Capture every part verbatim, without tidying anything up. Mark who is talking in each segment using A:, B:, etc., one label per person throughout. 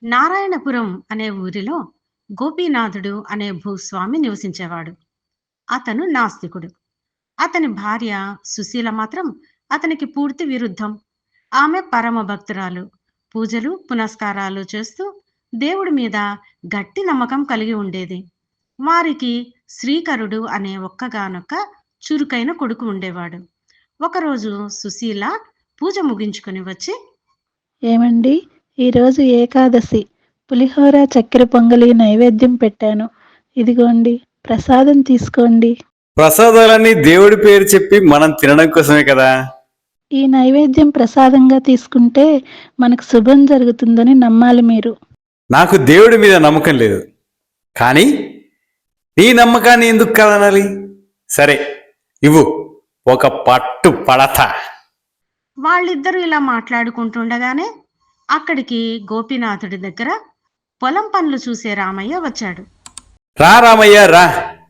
A: నారాయణపురం అనే ఊరిలో గోపీనాథుడు అనే భూస్వామి నివసించేవాడు. అతను నాస్తికుడు. అతని భార్య సుశీల మాత్రం అతనికి పూర్తి విరుద్ధం. ఆమె పరమ భక్తురాలు. పూజలు, పునస్కారాలు చేస్తూ దేవుడి మీద గట్టి నమ్మకం కలిగి ఉండేది. వారికి శ్రీకరుడు అనే ఒక్కగానొక్క చురుకైన కొడుకు ఉండేవాడు. ఒకరోజు సుశీల పూజ ముగించుకొని వచ్చి,
B: ఏమండి, ఈరోజు ఏకాదశి, పులిహోర చక్కెర పొంగలి నైవేద్యం పెట్టాను. ఇదిగోండి, ప్రసాదం తీసుకోండి.
C: ప్రసాదాలన్నీ దేవుడి పేరు చెప్పి మనం తినడం కోసమే కదా.
B: ఈ నైవేద్యం ప్రసాదంగా తీసుకుంటే మనకు శుభం జరుగుతుందని నమ్మాలి మీరు.
C: నాకు దేవుడి మీద నమ్మకం లేదు, కానీ నీ నమ్మకాన్ని ఎందుకు కాదనాలి? సరే, ఇవ్వు, ఒక పట్టు పడతా.
A: వాళ్ళిద్దరూ ఇలా మాట్లాడుకుంటుండగానే అక్కడికి గోపీనాథుడి దగ్గర పొలం పనులు చూసే రామయ్య వచ్చాడు.
C: రా రామయ్య రా,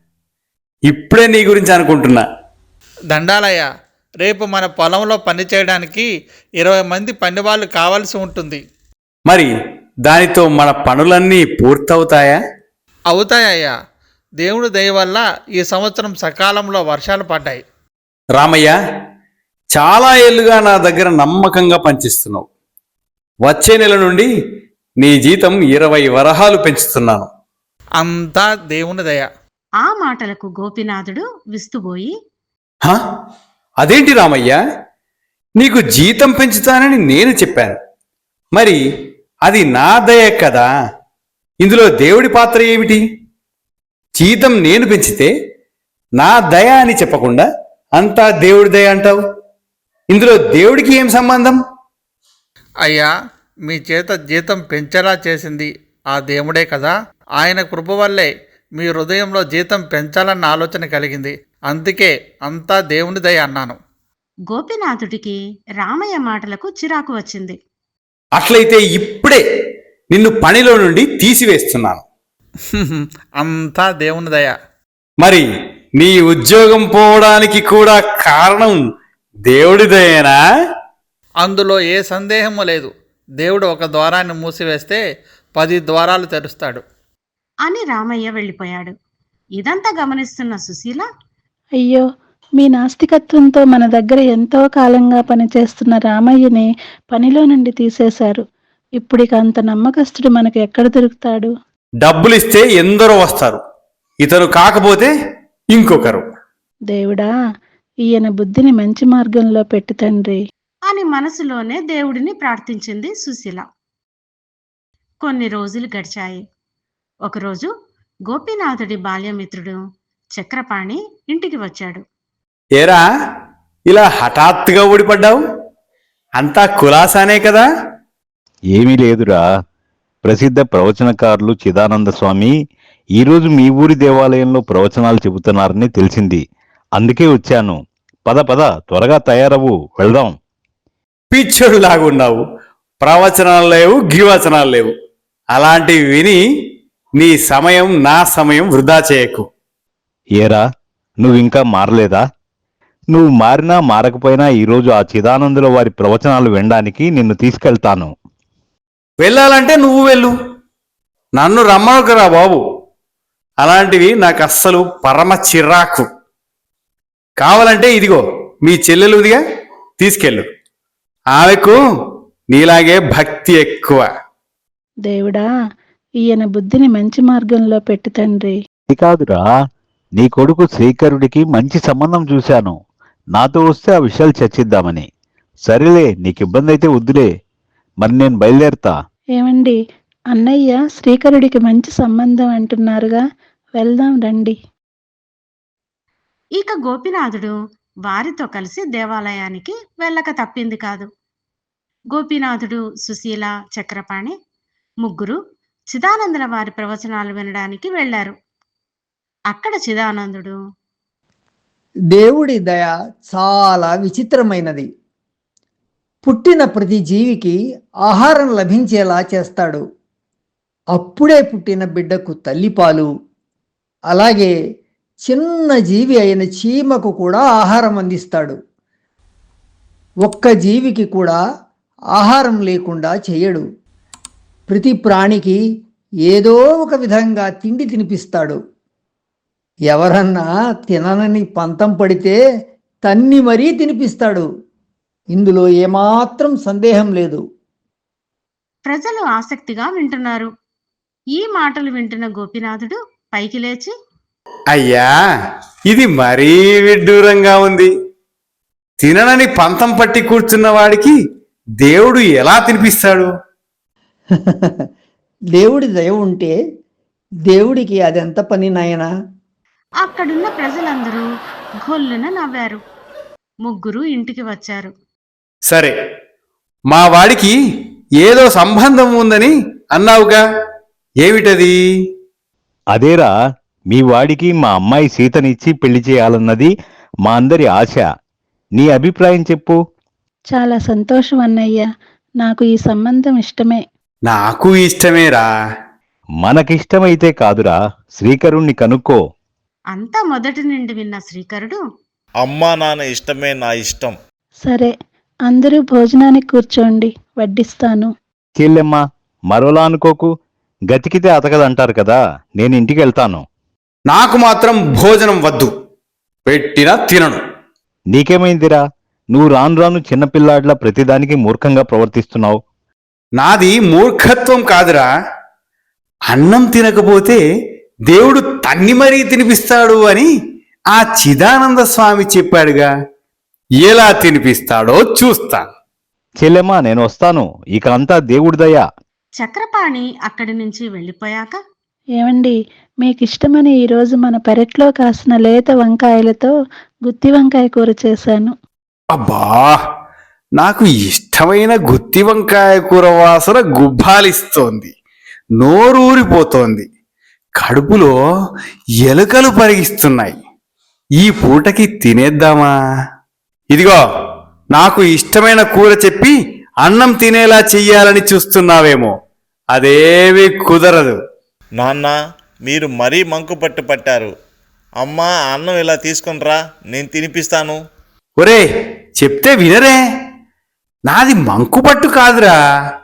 C: ఇప్పుడే నీ గురించి అనుకుంటున్నా.
D: దండాలయ్య, రేపు మన పొలంలో పని చేయడానికి ఇరవై మంది పనివాళ్ళు కావాల్సి ఉంటుంది.
C: మరి దానితో మన పనులన్నీ పూర్తవుతాయా?
D: అవుతాయ్యా, దేవుడి దయ వల్ల ఈ సంవత్సరం సకాలంలో వర్షాలు పడ్డాయి.
C: రామయ్య, చాలా ఏళ్ళుగా నా దగ్గర నమ్మకంగా పనిచేస్తున్నావు. వచ్చే నెల నుండి నీ జీతం ఇరవై వరహాలు పెంచుతున్నాను.
D: అంతా దేవుని దయ.
A: ఆ మాటలకు గోపీనాథుడు విస్తుబోయి,
C: హా? అదేంటి రామయ్య, నీకు జీతం పెంచుతానని నేను చెప్పాను. మరి అది నా దయ కదా. ఇందులో దేవుడి పాత్ర ఏమిటి? జీతం నేను పెంచితే నా దయ అని చెప్పకుండా అంతా దేవుడి దయ అంటావు. ఇందులో దేవుడికి ఏం సంబంధం?
D: అయ్యా, మీ చేత జీతం పెంచేలా చేసింది ఆ దేవుడే కదా. ఆయన కృప వల్లే మీ హృదయంలో జీతం పెంచాలన్న ఆలోచన కలిగింది. అందుకే అంతా దేవుని దయ అన్నాను.
A: గోపీనాథుడికి రామయ్య మాటలకు చిరాకు వచ్చింది.
C: అట్లయితే ఇప్పుడే నిన్ను పనిలో నుండి తీసివేస్తున్నాను.
D: అంతా దేవుని దయ.
C: మరి నీ ఉద్యోగం పోవడానికి కూడా కారణం దేవుడి దయేనా?
D: అందులో ఏ సందేహము లేదు. దేవుడు ఒక ద్వారాన్ని మూసివేస్తే పది ద్వారాలు తెరుస్తాడు
A: అని రామయ్య వెళ్ళిపోయాడు. ఇదంతా గమనిస్తున్న సుశీల,
B: అయ్యో, మీ నాస్తికత్వంతో మన దగ్గర ఎంతో కాలంగా పనిచేస్తున్న రామయ్యని పనిలో నుండి తీసేశారు. ఇప్పుడిక అంత నమ్మకస్తుడు మనకు ఎక్కడ దొరుకుతాడు?
C: డబ్బులిస్తే ఎందరో వస్తారు, ఇతను కాకపోతే ఇంకొకరు.
B: దేవుడా, ఈయన బుద్ధిని మంచి మార్గంలో పెట్టు తండ్రి
A: అని మనసులోనే దేవుడిని ప్రార్థించింది సుశీల. కొన్ని రోజులు గడిచాయి. ఒకరోజు గోపీనాథుడి బాల్యమిత్రుడు చక్రపాణి ఇంటికి వచ్చాడు.
C: ఏరా, ఇలా హఠాత్తుగా ఊడిపడ్డావు? అంతా కులాసానే కదా?
E: ఏమీ లేదురా. ప్రసిద్ధ ప్రవచనకారులు చిదానంద స్వామి ఈరోజు మీ ఊరి దేవాలయంలో ప్రవచనాలు చెబుతున్నారని తెలిసింది. అందుకే వచ్చాను. పద పద, త్వరగా తయారవు, వెళ్దాం.
C: పిచ్చోడు లాగున్నావు. ప్రవచనాలు లేవు, గివచనాలు లేవు. అలాంటివి విని నీ సమయం నా సమయం వృధా చేయకు.
E: ఏరా, నువ్వింకా మారలేదా? నువ్వు మారినా మారకపోయినా ఈరోజు ఆ చిదానందుల వారి ప్రవచనాలు వినడానికి నిన్ను తీసుకెళ్తాను.
C: వెళ్ళాలంటే నువ్వు వెళ్ళు, నన్ను రమ్మనుకురా బాబు. అలాంటివి నాకు అస్సలు పరమ చిరాకు. కావాలంటే ఇదిగో మీ చెల్లెలుదిగా, తీసుకెళ్ళు. ఆమెకు నీలాగే భక్తి ఎక్కువ.
B: దేవుడా, ఈయన బుద్ధిని మంచి మార్గంలో పెట్టు తండ్రి.
E: ఇది కాదురా, నీ కొడుకు శ్రీకరుడికి మంచి సంబంధం చూశాను. నాతో వస్తే ఆ విషయాలు చర్చిద్దామని. సరేలే, నీకు ఇబ్బంది అయితే వద్దులే. మరి నేను బయలుదేరుతా.
B: ఏమండి, అన్నయ్య శ్రీకరుడికి మంచి సంబంధం అంటున్నారుగా, వెళ్దాం రండి.
A: ఇక గోపీనాథుడు వారితో కలిసి దేవాలయానికి వెళ్ళక తప్పింది కాదు. గోపీనాథుడు, సుశీల, చక్రపాణి ముగ్గురు చిదానందుల వారి ప్రవచనాలు వినడానికి వెళ్లారు. అక్కడ చిదానందుడు,
F: దేవుడి దయ చాలా విచిత్రమైనది. పుట్టిన ప్రతి జీవికి ఆహారం లభించేలా చేస్తాడు. అప్పుడే పుట్టిన బిడ్డకు తల్లిపాలు, అలాగే చిన్న జీవి అయిన చీమకు కూడా ఆహారం అందిస్తాడు. ఒక్క జీవికి కూడా ఆహారం లేకుండా చేయడు. ప్రతి ప్రాణికి ఏదో ఒక విధంగా తిండి తినిపిస్తాడు. ఎవరన్నా తిననని పంతం పడితే తన్ని మరీ తినిపిస్తాడు. ఇందులో ఏమాత్రం సందేహం లేదు.
A: ప్రజలు ఆసక్తిగా వింటున్నారు. ఈ మాటలు వింటున్న గోపినాథుడు పైకి లేచి,
C: అయ్యా, ఇది మరీ విడ్డూరంగా ఉంది. తిననని పంతం పట్టి కూర్చున్న వాడికి దేవుడు ఎలా తినిపిస్తాడు?
F: దేవుడి దయ ఉంటే దేవుడికి అదెంత పని నాయనా?
A: అక్కడున్న ప్రజలందరూ గొల్లున నవ్వారు. ముగ్గురు ఇంటికి వచ్చారు.
C: సరే, మా వాడికి ఏదో సంబంధం ఉందని అన్నావుగా, ఏమిటది?
E: అదేరా, మీ వాడికి మా అమ్మాయి సీతనిచ్చి పెళ్లి చేయాలన్నది మా అందరి ఆశ. నీ అభిప్రాయం చెప్పు.
B: చాలా సంతోషం అన్నయ్య. నాకు ఈ సంబంధం ఇష్టమే.
C: నాకు ఇష్టమేరా.
E: మనకిష్టమైతే కాదురా, శ్రీకరుణ్ణి కనుక్కో.
A: అంతా మొదటి నుండి విన్న శ్రీకరుడు,
G: అమ్మా నాన్న ఇష్టమే నా ఇష్టం.
B: సరే, అందరూ భోజనానికి కూర్చోండి, వడ్డిస్తాను.
E: చెల్లెమ్మ, మరోలా అనుకోకు. గతికితే అతకదంటారు కదా, నేను ఇంటికి వెళ్తాను.
C: నాకు మాత్రం భోజనం వద్దు, పెట్టినా తినను.
E: నీకేమైందిరా? నువ్వు రాను రాను చిన్నపిల్లాడ్లా ప్రతిదానికి మూర్ఖంగా ప్రవర్తిస్తున్నావు.
C: నాది మూర్ఖత్వం కాదురా. అన్నం తినకపోతే దేవుడు తన్ని మరీ తినిపిస్తాడు అని ఆ చిదానంద స్వామి చెప్పాడుగా. ఎలా తినిపిస్తాడో చూస్తా.
E: చెల్లెమ్మ, నేను వస్తాను. ఇక అంతా దేవుడి దయ.
A: చక్రపాణి అక్కడి నుంచి వెళ్ళిపోయాక,
B: ఏమండి, మీకిష్టమని ఈరోజు మన పెరట్లో కాసిన లేత వంకాయలతో గుత్తి వంకాయ కూర చేశాను.
C: అబ్బా, నాకు ఇష్టమైన గుత్తి వంకాయ కూర వాసన గుబ్బాలిస్తోంది. నోరూరిపోతోంది. కడుపులో ఎలుకలు పరిగిస్తున్నాయి. ఈ పూటకి తినేద్దామా? ఇదిగో, నాకు ఇష్టమైన కూర చెప్పి అన్నం తినేలా చెయ్యాలని చూస్తున్నావేమో. అదేమీ కుదరదు.
G: నాన్న, మీరు మరీ మంకు పట్టు పట్టారు. అమ్మా, అన్నం ఇలా తీసుకునిరా, నేను తినిపిస్తాను.
C: ఒరే, చెప్తే వినరే. నాది మంకుపట్టు కాదురా.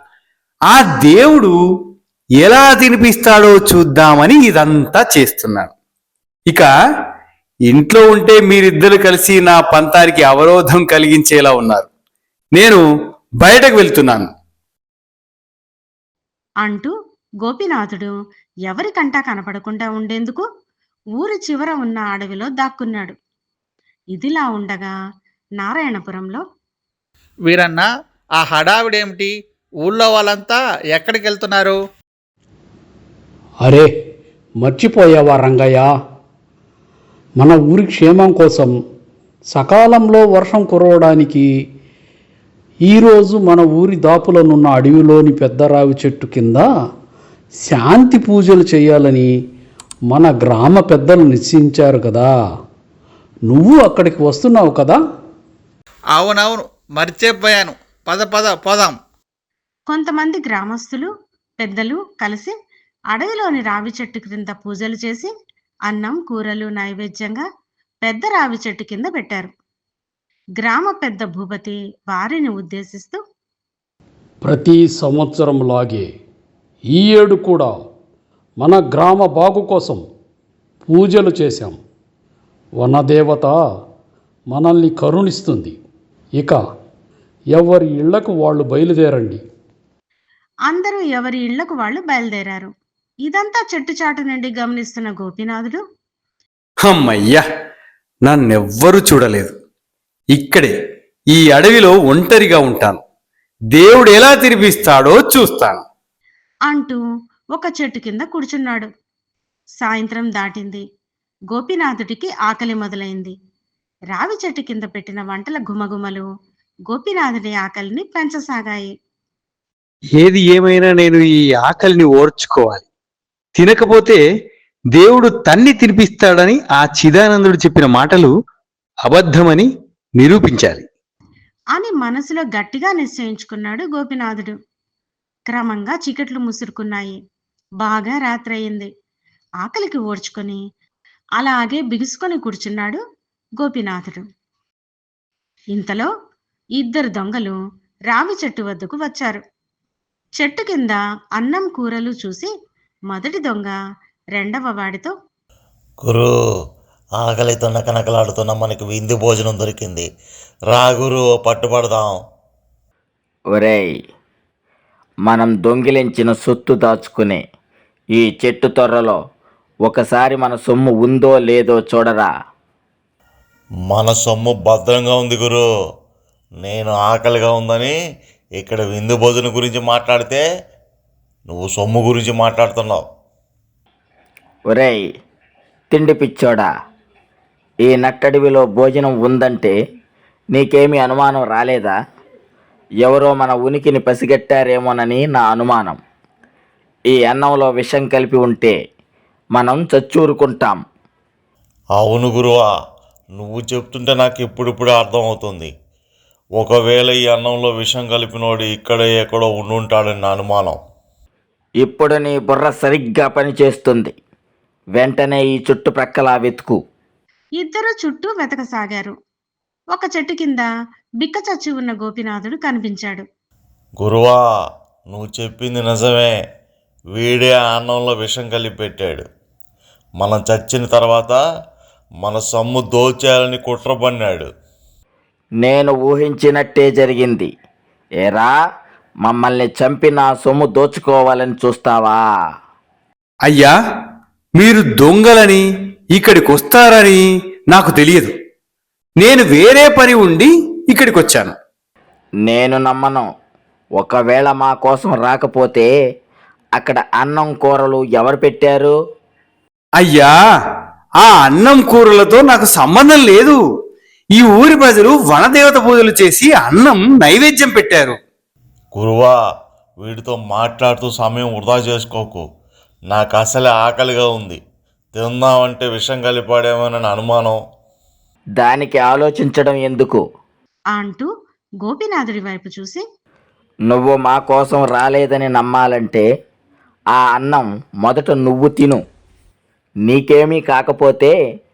C: ఆ దేవుడు ఎలా తినిపిస్తాడో చూద్దామని ఇదంతా చేస్తున్నాను. ఇక ఇంట్లో ఉంటే మీరిద్దరు కలిసి నా పంతానికి అవరోధం కలిగించేలా ఉన్నారు. నేను బయటకు వెళ్తున్నాను
A: అంటూ గోపినాథుడు ఎవరికంటా కనపడకుండా ఉండేందుకు ఊరి చివర ఉన్న అడవిలో దాక్కున్నాడు. ఇదిలా ఉండగా నారాయణపురంలో,
D: వీరన్న, ఆ హడావిడేమిటి? ఊళ్ళో వాళ్ళంతా ఎక్కడికి వెళ్తున్నారు?
H: అరే, మర్చిపోయావా రంగయ్య? మన ఊరి క్షేమం కోసం సకాలంలో వర్షం కురవడానికి ఈరోజు మన ఊరి దాపులనున్న అడవిలోని పెద్ద రావి చెట్టు కింద శాంతి పూజలు చేయాలని మన గ్రామ పెద్దలు నిశ్చయించారు కదా. నువ్వు అక్కడికి వస్తున్నావు కదా?
D: అవునవును, మర్చిపోయాను. పద పద పోదాం.
A: కొంతమంది గ్రామస్తులు పెద్దలు కలిసి అడవిలోని రావి చెట్టు క్రింద పూజలు చేసి అన్నం కూరలు నైవేద్యంగా పెద్ద రావి చెట్టు కింద పెట్టారు. గ్రామ పెద్ద భూపతి వారిని ఉద్దేశిస్తూ,
H: ప్రతి సంవత్సరంలాగే ఈ ఏడు కూడా మన గ్రామ బాగు కోసం పూజలు చేశాం. వనదేవత మనల్ని కరుణిస్తుంది. ఇక ఎవరి ఇళ్లకు వాళ్ళు బయలుదేరండి.
A: అందరూ ఎవరి ఇళ్లకు వాళ్ళు బయలుదేరారు. ఇదంతా చెట్టుచాటు నుండి గమనిస్తున్న గోపినాథుడు,
C: అమ్మయ్యా, నన్నెవ్వరూ చూడలేదు. ఇక్కడే ఈ అడవిలో ఒంటరిగా ఉంటాను. దేవుడు ఎలా తినిపిస్తాడో చూస్తాను
A: అంటూ ఒక చెట్టు కింద కూర్చున్నాడు. సాయంత్రం దాటింది. గోపినాథుడికి ఆకలి మొదలైంది. రావి చెట్టు కింద పెట్టిన వంటల గుమగుమలు గోపినాథుడి ఆకలిని పెంచసాగాయి.
C: ఏది ఏమైనా నేను ఈ ఆకలిని ఓర్చుకోవాలి. తినకపోతే దేవుడు తన్ని తినిపిస్తాడని ఆ చిదానందుడు చెప్పిన మాటలు అబద్ధమని నిరూపించాలి
A: అని మనసులో గట్టిగా నిశ్చయించుకున్నాడు గోపినాథుడు. క్రమంగా చీకట్లు ముసురుకున్నాయి. బాగా రాత్రయింది. ఆకలికి ఓర్చుకొని అలాగే బిగుసుకొని కూర్చున్నాడు గోపినాథుడు. ఇంతలో ఇద్దరు దొంగలు రావి చెట్టు వద్దకు వచ్చారు. చెట్టు కింద అన్నం కూరలు చూసి మొదటి దొంగ రెండవ వాడితో,
G: గురు, ఆకలితో నకనకలాడుతున్న మనకి విందు భోజనం దొరికింది. రా గురు, పట్టుబడదాం.
I: ఒరేయ్, మనం దొంగిలించిన సొత్తు దాచుకునే ఈ చెట్టు తొర్రలో ఒకసారి మన సొమ్ము ఉందో లేదో చూడరా.
G: మన సొమ్ము భద్రంగా ఉంది గురు. నేను ఆకలిగా ఉందని ఇక్కడ విందు భోజనం గురించి మాట్లాడితే నువ్వు సొమ్ము గురించి మాట్లాడుతున్నావు.
I: ఒరేయ్ తిండి పిచ్చోడా, ఈ నట్టడివిలో భోజనం ఉందంటే నీకేమీ అనుమానం రాలేదా? ఎవరో మన ఉనికిని పసిగట్టారేమోనని నా అనుమానం. ఈ అన్నంలో విషం కలిపి ఉంటే మనం చచ్చూరుకుంటాం.
G: అవును గురువా, నువ్వు చెప్తుంటే నాకు ఇప్పుడిప్పుడే అర్థమవుతుంది. ఒకవేళ ఈ అన్నంలో విషం కలిపినోడు ఇక్కడే ఎక్కడో ఉండుంటాడని నా అనుమానం.
I: ఇప్పుడు నీ బుర్ర సరిగ్గా పనిచేస్తుంది. వెంటనే ఈ చుట్టుప్రక్కల వెతుకు.
A: ఇద్దరు చుట్టూ వెతకసాగారు. ఒక చెట్టు కింద బిక్క చచ్చి ఉన్న గోపినాథుడు కనిపించాడు.
G: గురువా, నువ్వు చెప్పింది నిజమే. వీడే ఆ అన్నంలో విషం కలిపి పెట్టాడు. మనం చచ్చిన తర్వాత మన సొమ్ము దోచేయాలని కుట్ర పన్నాడు.
I: నేను ఊహించినట్టే జరిగింది. ఏరా, మమ్మల్ని చంపి నా సొమ్ము దోచుకోవాలని చూస్తావా?
C: అయ్యా, మీరు దొంగలని ఇక్కడికి వస్తారని నాకు తెలియదు. నేను వేరే పని ఉండి ఇక్కడికి వచ్చాను.
I: నేను నమ్మను. ఒకవేళ మా కోసం రాకపోతే అక్కడ అన్నం కూరలు ఎవరు పెట్టారు?
C: అయ్యా, ఆ అన్నం కూరలతో నాకు సంబంధం లేదు. ఈ ఊరి ప్రజలు వనదేవత పూజలు చేసి అన్నం నైవేద్యం పెట్టారు.
G: గురువా, వీడితో మాట్లాడుతూ సమయం వృధా చేసుకోకు. నాకు అసలే ఆకలిగా ఉంది. తిందామంటే విషం కలిపాడేమోనని అనుమానం.
I: దానికి ఆలోచించడం ఎందుకు?
A: అంటూ గోపినాథుడి వైపు చూసి,
I: నువ్వు మా కోసం రాలేదని నమ్మాలంటే ఆ అన్నం మొదట నువ్వు తిను. నీకేమీ కాకపోతే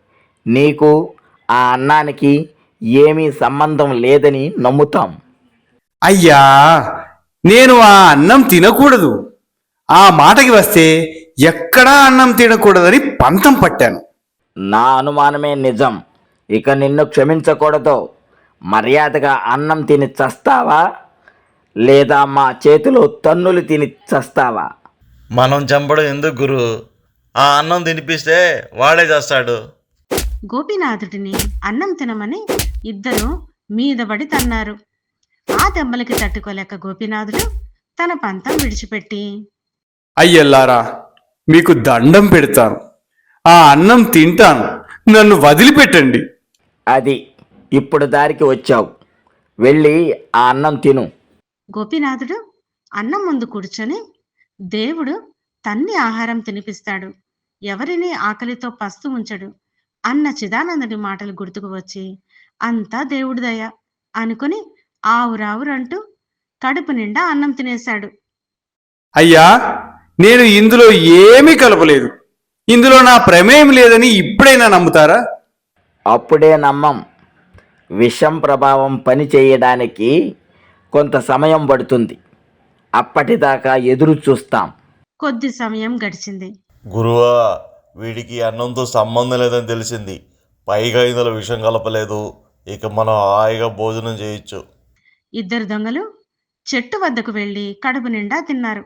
I: నీకు ఆ అన్నానికి ఏమీ సంబంధం లేదని నమ్ముతాం.
C: అయ్యా, నేను ఆ అన్నం తినకూడదు. ఆ మాటకి వస్తే ఎక్కడా అన్నం తినకూడదని పంతం పట్టాను.
I: నా అనుమానమే నిజం. ఇక నిన్ను క్షమించకూడదు. మర్యాదగా అన్నం తిని చస్తావా, లేదా మా చేతిలో తన్నులు తిని చస్తావా?
G: మనం చంపడం ఎందుకు గురు? ఆ అన్నం తినిపిస్తే వాడే చేస్తాడు.
A: గోపినాథుడిని అన్నం తినమని ఇద్దరు మీదబడి తన్నారు. ఆ దెబ్బలకి తట్టుకోలేక గోపినాథుడు తన పంతం విడిచిపెట్టి,
C: అయ్యల్లారా, మీకు దండం పెడతాను. ఆ అన్నం తింటాను. నన్ను వదిలిపెట్టండి.
I: అది ఇప్పుడు దారికి వచ్చావు. వెళ్ళి ఆ అన్నం తిను.
A: గోపినాథుడు అన్నం ముందు కూర్చొని, దేవుడు తన్ని ఆహారం తినిపిస్తాడు, ఎవరిని ఆకలితో పస్తు ఉంచడు అన్న చిదానందుడి మాటలు గుర్తుకు వచ్చి, అంతా దేవుడి దయ అనుకుని ఆవురావురంటూ కడుపు నిండా అన్నం తినేశాడు.
C: అయ్యా, నేను ఇందులో ఏమీ కలపలేదు. ఇందులో నా ప్రమేయం లేదని ఇప్పుడైనా నమ్ముతారా?
I: అప్పుడే నమ్మం. విషం ప్రభావం పని చేయడానికి కొంత సమయం పడుతుంది. అప్పటిదాకా ఎదురు చూస్తాం.
A: కొద్ది సమయం గడిచింది.
G: గురువా, వీడికి అన్నంతో సంబంధం లేదని తెలిసింది. పైగా ఇందులో విషం కలపలేదు. ఇక మనం హాయిగా భోజనం చేయొచ్చు.
A: ఇద్దరు దొంగలు చెట్టు వద్దకు వెళ్ళి కడుపు నిండా తిన్నారు.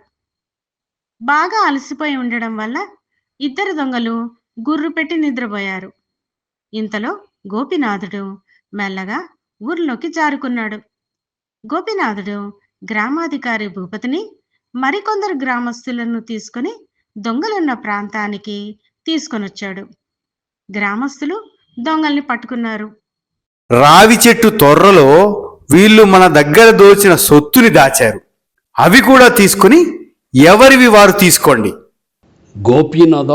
A: బాగా అలసిపోయి ఉండడం వల్ల ఇద్దరు దొంగలు గుర్రు పెట్టి నిద్రపోయారు. ఇంతలో గోపినాథుడు మెల్లగా ఊర్లోకి జారుకున్నాడు. గోపినాథుడు గ్రామాధికారి భూపతిని మరికొందరు గ్రామస్తులను తీసుకుని దొంగలున్న ప్రాంతానికి తీసుకొనొచ్చాడు. గ్రామస్తులు దొంగల్ని పట్టుకున్నారు.
C: రావి చెట్టు తొర్రలో వీళ్ళు మన దగ్గర దోచిన సొత్తుని దాచారు. అవి కూడా తీసుకుని ఎవరివి వారు తీసుకోండి.
H: గోపీనాథ,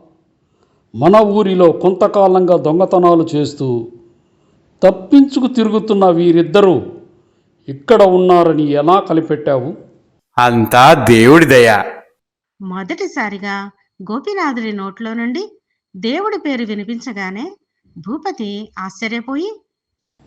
H: మన ఊరిలో కొంతకాలంగా దొంగతనాలు చేస్తూ తప్పించుకు తిరుగుతున్న వీరిద్దరూ ఇక్కడ ఉన్నారని ఎలా కనిపెట్టావు?
C: అంతా దేవుడి దయ.
A: మొదటిసారిగా గోపినాథుడి నోట్లో నుండి దేవుడి పేరు వినిపించగానే భూపతి ఆశ్చర్యపోయి,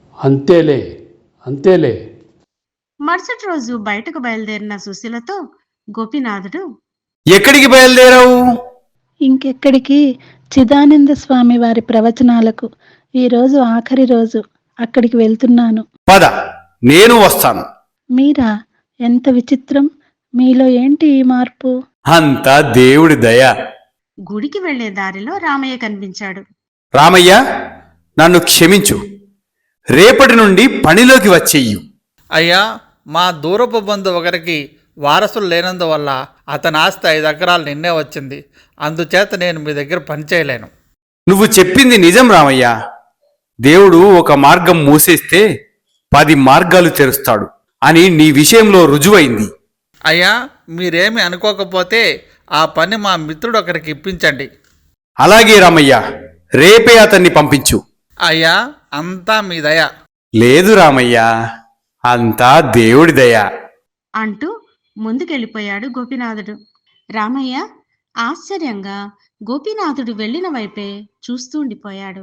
H: అంతేలే అంతేలే
A: మరుసటి రోజు బయటకు బయలుదేరిన సుశీలతో గోపీనాథుడు
C: ఎక్కడికి బయలుదేరావు?
B: ఇంకెక్కడికి, చిదానంద స్వామి వారి ప్రవచనాలకు. ఈరోజు ఆఖరి రోజు, అక్కడికి వెళ్తున్నాను.
C: పద, నేను వస్తాను.
B: మీరా? ఎంత విచిత్రం! మీలో ఏంటి ఈ మార్పు?
C: అంతా దేవుడి దయ.
A: గుడికి వెళ్లే దారిలో రామయ్య కనిపించాడు.
C: రామయ్య, నన్ను క్షమించు. రేపటి నుండి పనిలోకి వచ్చేయ్యు.
D: అయ్యా, మా దూరపు బంధు ఒకరికి వారసులు లేనందువల్ల అతని ఆస్తి ఐదు ఎకరాలు నిన్నే వచ్చింది. అందుచేత నేను మీ దగ్గర పని చేయలేను.
C: నువ్వు చెప్పింది నిజం రామయ్య. దేవుడు ఒక మార్గం మూసేస్తే పది మార్గాలు తెరుస్తాడు అని నీ విషయంలో రుజువైంది.
D: అయ్యా, మీరేమి అనుకోకపోతే ఆ పని మా మిత్రుడు ఒకరికి ఇప్పించండి.
C: అలాగే రామయ్య, రేపే అతన్ని పంపించు.
D: అయ్యా, అంతా మీ దయ.
C: లేదు రామయ్య, అంతా దేవుడి దయ
A: అంటూ ముందుకెళ్ళిపోయాడు గోపీనాథుడు. రామయ్య ఆశ్చర్యంగా గోపీనాథుడు వెళ్ళిన వైపే చూస్తూ ఉండిపోయాడు.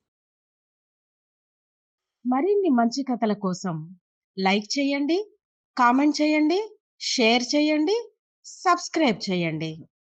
A: మరిన్ని మంచి కథల కోసం లైక్ చేయండి, కామెంట్ చేయండి, షేర్ చేయండి, సబ్స్క్రైబ్ చేయండి.